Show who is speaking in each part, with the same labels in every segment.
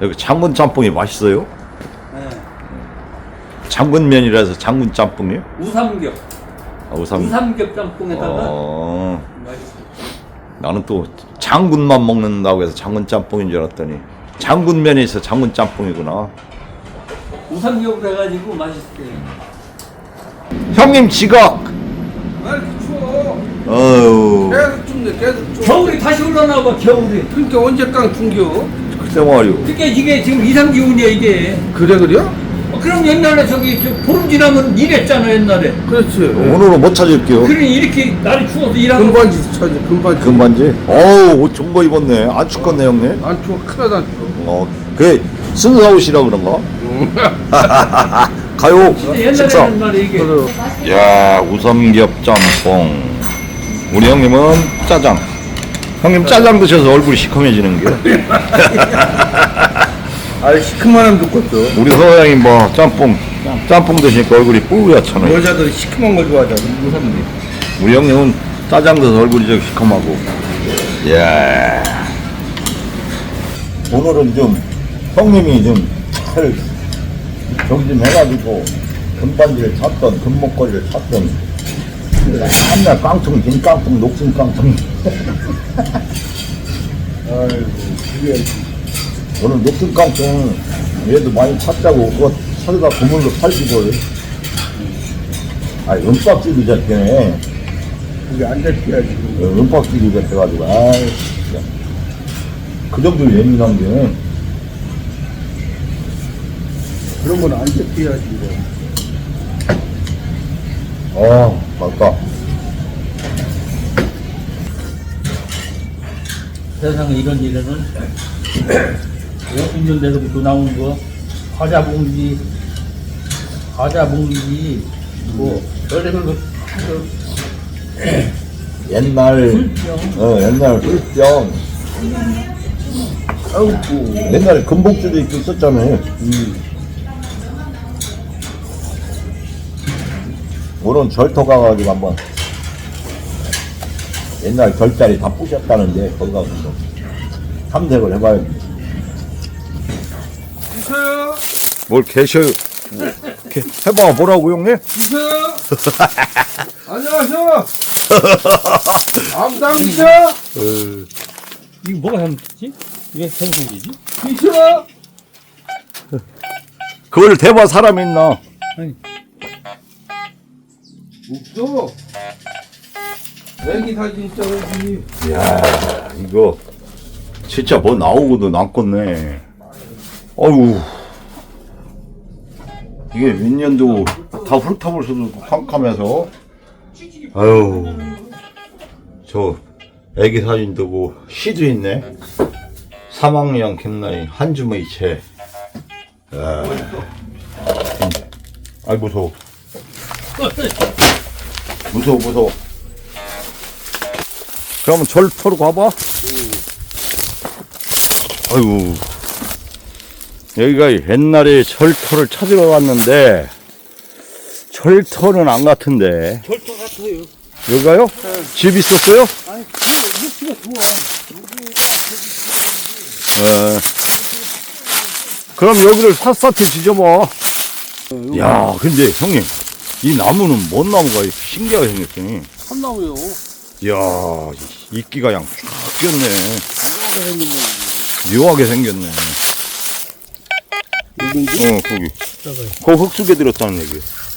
Speaker 1: 여기 장군 짬뽕이 맛있어요?
Speaker 2: 네.
Speaker 1: 장군면이라서 장군 짬뽕이요?
Speaker 2: 우삼겹.
Speaker 1: 아, 우삼.
Speaker 2: 우삼겹 짬뽕에다가
Speaker 1: 어,
Speaker 2: 맛있어.
Speaker 1: 나는 또 장군만 먹는다고 해서 장군 짬뽕인 줄 알았더니 장군면에 있어 장군 짬뽕이구나.
Speaker 2: 우삼겹을 해가지고 맛있어요.
Speaker 1: 형님 지각.
Speaker 3: 왜 이렇게 추워?
Speaker 1: 어우,
Speaker 3: 계속 춥네, 계속 추워.
Speaker 2: 겨울이 다시 올라나 봐, 겨울이.
Speaker 3: 그러니까 언제 깡 충겨?
Speaker 1: 글쎄 말이오.
Speaker 2: 그러니까 이게 지금 이상 기온이야, 이게.
Speaker 3: 그래요?
Speaker 2: 그럼 옛날에 저기 보름 지나면 이랬잖아, 옛날에.
Speaker 3: 그렇지.
Speaker 1: 오늘은 못 찾을게요.
Speaker 2: 그러니 이렇게 날이 추워서 일하는
Speaker 3: 금반지 쳐지, 금반지.
Speaker 1: 금반지? 어우, 옷 좋은 거 입었네. 안 춥겠네, 형님.
Speaker 3: 안 추워, 큰일 안 추워.
Speaker 1: 그래, 순사 옷이라 그런가? 가요, 식사.
Speaker 2: 옛날에는 말이야, 이게.
Speaker 3: 그래.
Speaker 1: 야, 우삼겹 짬뽕. 우리 형님은 짜장. 형님 짜장 드셔서 얼굴이 시커매지는 게.
Speaker 3: 아, 시큼한 놈 좋겠어.
Speaker 1: 우리 서양이 뭐 짬뽕 드시니까 얼굴이 뿌옇잖아요.
Speaker 3: 여자들이 시큼한 걸 좋아하잖아, 무섭네.
Speaker 1: 우리 형님은 짜장 드셔서 얼굴이 좀 시커하고. 예. 오늘은 좀 형님이 좀 잘 저기 좀 해가지고 금반지를 찼던 금목걸이를 찼던 한날 깡통, 긴 깡통, 녹슨 깡통.
Speaker 3: 아이고, 그게
Speaker 1: 오늘 녹슨 깡통 얘도 많이 찼다고 그거 사다가 그물로 팔기고. 아, 은박지기 잡히네.
Speaker 3: 그게 안 잡혀야지.
Speaker 1: 은박지기 잡혀가지고 아이 진짜. 그 정도 예민한 게.
Speaker 3: 그런 건 안 잡혀야지.
Speaker 1: 맞다.
Speaker 2: 세상에 이런 일에는 50년 대로부터 나온 거 과자 봉지 뭐 별의별 거 하도
Speaker 1: 옛날 옛날 술병.
Speaker 3: 아이고.
Speaker 1: 옛날에 금복주도 있고 있었잖아요. 오늘 절터 가가지고 한번 옛날 결자리 다 부셨다는데 거기 가서 좀 탐색을 해봐야지.
Speaker 3: 있어요?
Speaker 1: 뭘 계셔요? 해봐 보라고 형님?
Speaker 3: 있어요? 안녕하세요. 아무도 안 있어?
Speaker 2: 이거 뭐가 잘못됐지? 왜 생선이지?
Speaker 3: 있어?
Speaker 1: 그걸 대봐 사람 있나?
Speaker 2: 아니
Speaker 3: 없어. 애기 사진 찍어야지.
Speaker 1: 이야 이거 진짜 뭐 나오고도 남겠네. 어휴 이게 몇 년도 다 훑어볼 수도 없고 캄캄해서. 아유 저 애기 사진도 뭐 시도 있네. 3학년 김나이 한줌의 채. 아이 무서워. 무서워. 그러면 절터로 가봐. 아이고 여기가 옛날에 절터를 찾으러 왔는데 절터는 안 같은데.
Speaker 2: 절도 같아요.
Speaker 1: 여기가요? 집 있었어요?
Speaker 2: 아니 육수가 좋아.
Speaker 1: 그럼 여기를 샅샅이 뒤져봐. 야 근데 형님 이 나무는 뭔 나무가 신기하게 생겼더니.
Speaker 3: 참나무요.
Speaker 1: 이야 이끼가 그냥 쫙 꼈네. 묘하게 생겼네.
Speaker 3: 여긴지?
Speaker 1: 거기. 그 흙 속에 들었다는 얘기야.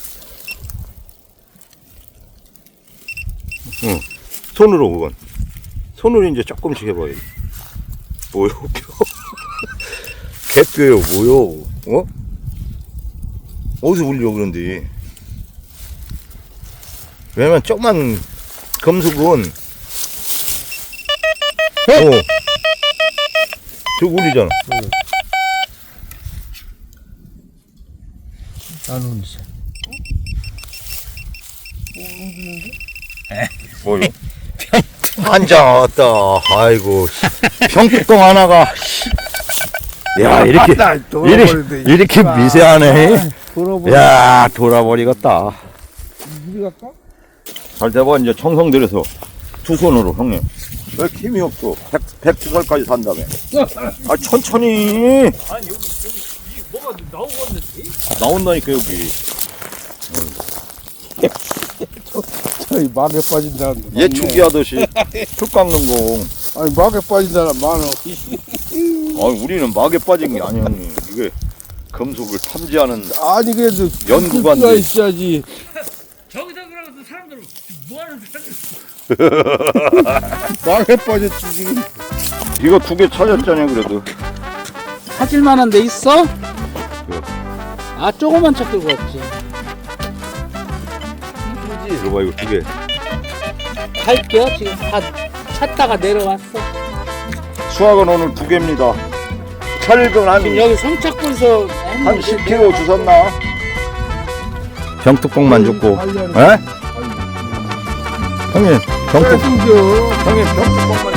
Speaker 1: 손으로 그건. 손으로 이제 조금씩 해봐요. 뭐요? 개뼈요, 뭐요? 어디서 울려 그런데. 왜냐면 조그만 금속은 저거 울리잖아.
Speaker 2: 나는 이제
Speaker 1: 뭐요? 앉았다. 아이고. 평뚜껑 하나가. 야, 이렇게 미세하네. 야, 돌아버리겠다.
Speaker 3: 우리 갈까?
Speaker 1: 잘 돼봐, 이제 청성 들여서 두 손으로, 형님. 왜 이렇게 힘이 없어? 100살까지 산다며. 아, 천천히.
Speaker 2: 아니 여기 뭐가 나오겠는데?
Speaker 1: 나온다니까, 여기.
Speaker 3: 저기 막에 빠진다는 거.
Speaker 1: 예초기 하듯이 흙 깎는 거.
Speaker 3: 아니 막에 빠진다는 만원.
Speaker 1: 아, 우리는 막에 빠진 게 아니야, 형님. 이게 금속을 탐지하는
Speaker 3: 아니 그래도
Speaker 1: 연구관들.
Speaker 3: 수가 있어야지.
Speaker 2: 저기다 그러면서 사람들은 뭐하는 사람들?
Speaker 3: 막에 빠졌지 지금.
Speaker 1: 이거 2개 찾았잖아요, 그래도.
Speaker 4: 찾을만한 데 있어? 아 조그만 차 끌고 왔지.
Speaker 1: 들어봐, 이거 2개.
Speaker 4: 갈게요. 지금 다 찾다가 내려왔어.
Speaker 1: 수학은 오늘 2개입니다. 철근
Speaker 4: 지금 여기 성착군서
Speaker 1: 한 10kg 주셨나? 병뚜껑만 줬고. 에? 형님, 병뚜껑.
Speaker 3: 숨겨.
Speaker 1: 형님, 병뚜껑만